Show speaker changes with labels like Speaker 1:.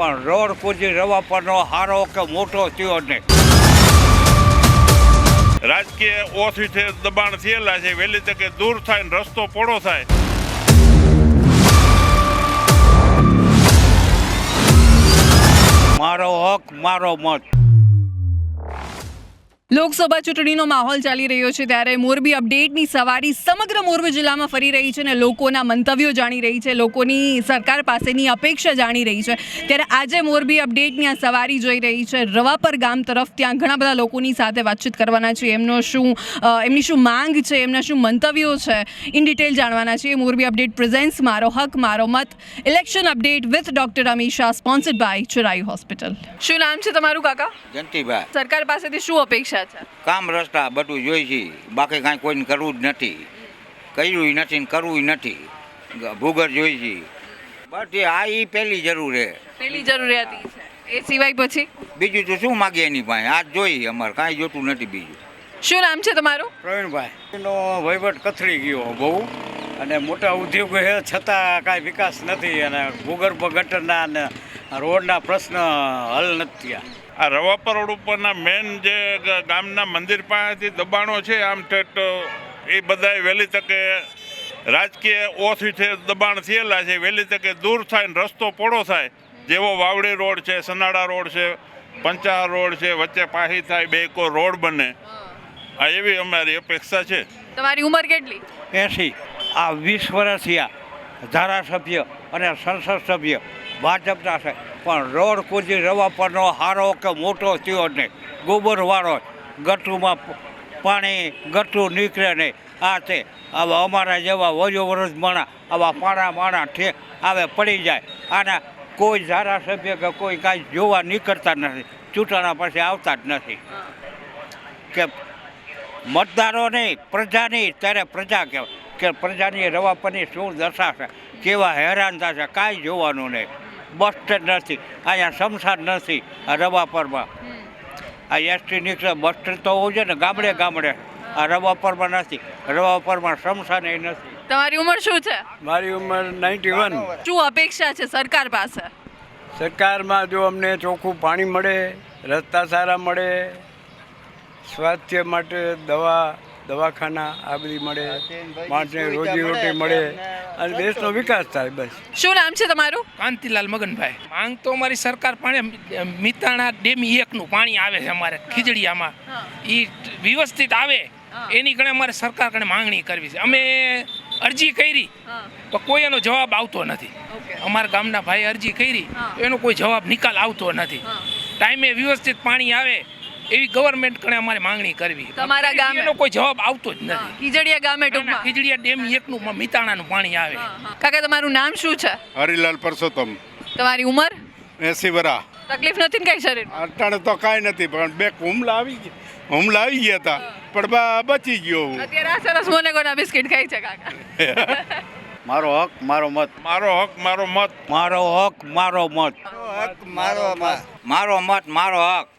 Speaker 1: પણ રોડ પૂજી રવાપરનો હારો કે મોટો થયો નહીં.
Speaker 2: રાજકીય ઓથિસે દબાણ થયેલા છે, વહેલી તકે દૂર થાય ને રસ્તો પોળો થાય.
Speaker 1: મારો હક મારો મત.
Speaker 3: લોકસભા ચૂંટણીનો માહોલ ચાલી રહ્યો છે ત્યારે મોરબી અપડેટની સવારી સમગ્ર મોરબી જિલ્લામાં ફરી રહી છે અને લોકોના મંતવ્યો જાણી રહી છે, લોકોની સરકાર પાસેની અપેક્ષા જાણી રહી છે. ત્યારે આજે મોરબી અપડેટની આ સવારી જોઈ રહી છે રવાપર ગામ તરફ. ત્યાં ઘણા બધા લોકોની સાથે વાતચીત કરવાના છે, એમની શું માંગ છે, એમના શું મંતવ્યો છે, ઇન ડિટેલ જાણવાના છે. મોરબી અપડેટ પ્રેઝેન્ટ્સ મારો હક મારો મત election update with doctor Amisha, sponsored by Chirayu hospital. શું નામ છે તમારું કાકા?
Speaker 1: જંતીભાઈ.
Speaker 3: સરકાર પાસેથી શું અપેક્ષા?
Speaker 1: કામ રસ્તા બધું જોઈ છે, બાકી કાંઈ કોઈને કરવું જ નથી, કર્યું નથી ને કરવું નથી. ભૂગર જોઈ છે બધી. આ એ પહેલી જરૂર છે,
Speaker 3: પહેલી જરૂરિયાત છે. એ સિવાય પછી
Speaker 1: બીજું તો શું માગીએ એની પાસે? આ જોઈ અમારે કાંઈ જોતું નથી બીજું.
Speaker 3: શું નામ છે તમારું?
Speaker 4: પ્રવીણભાઈ. એનો વહીવટ કથળી ગયો બહુ, અને મોટા ઉદ્યોગો છે છતાં કાંઈ વિકાસ નથી, અને ભૂગર્ભ ગટરના અને રોડના પ્રશ્ન હલ નથી થયા.
Speaker 2: આ રવાપર રોડ ઉપરના મેન જે ગામના મંદિર પાસેથી દબાણો છે, આમ ઠેઠ એ બધાય વહેલી તકે રાજકીય ઓથિસે દબાણ થયેલા છે, વહેલી તકે દૂર થાય ને રસ્તો પોળો થાય. જેવો વાવડી રોડ છે, સનાડા રોડ છે, પંચાળ રોડ છે, વચ્ચે પાહી થાય, બે કો રોડ બને. આ એવી અમારી અપેક્ષા છે.
Speaker 3: તમારી ઉંમર કેટલી?
Speaker 1: 80. આ 20 વર્ષ થયા ધારાસભ્ય અને સંસદ સભ્ય ભાજપના છે, પણ રોડ પૂજી રવાપરનો હારો કે મોટો થયો નહીં. ગોબરવાળો ગટુમાં પાણી ગટું નીકળે નહીં. આ તે આવા અમારા જેવા વજો વરસ માણા આવા પાણા માણા આવે પડી જાય. આના કોઈ ધારાસભ્ય કે કોઈ કાંઈ જોવા નીકળતા નથી, ચૂંટણા પછી આવતા જ નથી. કે મતદારો નહીં, પ્રજાની, ત્યારે પ્રજા કહેવાય કે પ્રજાની રવાપરની શું દશા છે, કેવા હેરાન થશે, કાંઈ જોવાનું નહીં. બસ સ્ટેન્ડ નથી, અહીંયા શમશાન નથી. આ રવાપરમાં આ એસટી નીકળે બસ સ્ટેન્ડ તો હોવું જોઈએ ને ગામડે ગામડે. આ રવાપરમાં નથી, રવાપરમાં શમશાન નથી.
Speaker 3: તમારી ઉંમર શું છે?
Speaker 4: મારી ઉંમર 91.
Speaker 3: શું અપેક્ષા છે સરકાર પાસે?
Speaker 4: સરકારમાં જો અમને ચોખ્ખું પાણી મળે, રસ્તા સારા મળે, સ્વાસ્થ્ય માટે દવાખાના આ બધી મળે, માણસને રોજીરોટી મળે અને દેશનો વિકાસ થાય. બસ.
Speaker 3: શું નામ છે તમારું?
Speaker 5: કાંતિલાલ મગનભાઈ. માંગ તો અમારી સરકાર પાણી મિતાણા ડેમ 1નું પાણી આવે છે અમારે ખીજડીયામાં, એ વ્યવસ્થિત આવે એની કણે અમારે સરકાર કણે માંગણી કરવી છે. અમે અરજી કરી તો કોઈ એનો જવાબ આવતો નથી. અમારા ગામના ભાઈ અરજી કરી એનો કોઈ જવાબ નિકાલ આવતો નથી. ટાઈમે વ્યવસ્થિત પાણી આવે એવી ગવર્મેન્ટ કણે અમારે માંગણી કરવી.
Speaker 3: તમારા ગામે
Speaker 5: એનો કોઈ જવાબ આવતો જ નથી.
Speaker 3: ખીજડીયા ગામે ટૂંકમાં
Speaker 5: ખીજડીયા ડેમ 1નું મિતાણાનું પાણી આવે.
Speaker 3: કાકા તમારું નામ શું છે?
Speaker 2: હરિલાલ પરસોત્તમ.
Speaker 3: તમારી ઉંમર?
Speaker 2: 80 વર્ષ.
Speaker 3: તકલીફ નથી ને કઈ શરીર?
Speaker 2: અટાણે તો કાંઈ નથી, પણ બે હુમલા આવી ગયા હતા, પણ બચી ગયો.
Speaker 3: અત્યારે આ સરસ મોનેગોના બિસ્કિટ ખાઈ છે કાકા.
Speaker 1: મારો હક મારો મત.
Speaker 2: મારો હક મારો મત.
Speaker 1: મારો હક મારો મત.
Speaker 4: હક મારો મત.
Speaker 1: મારો મત મારો હક.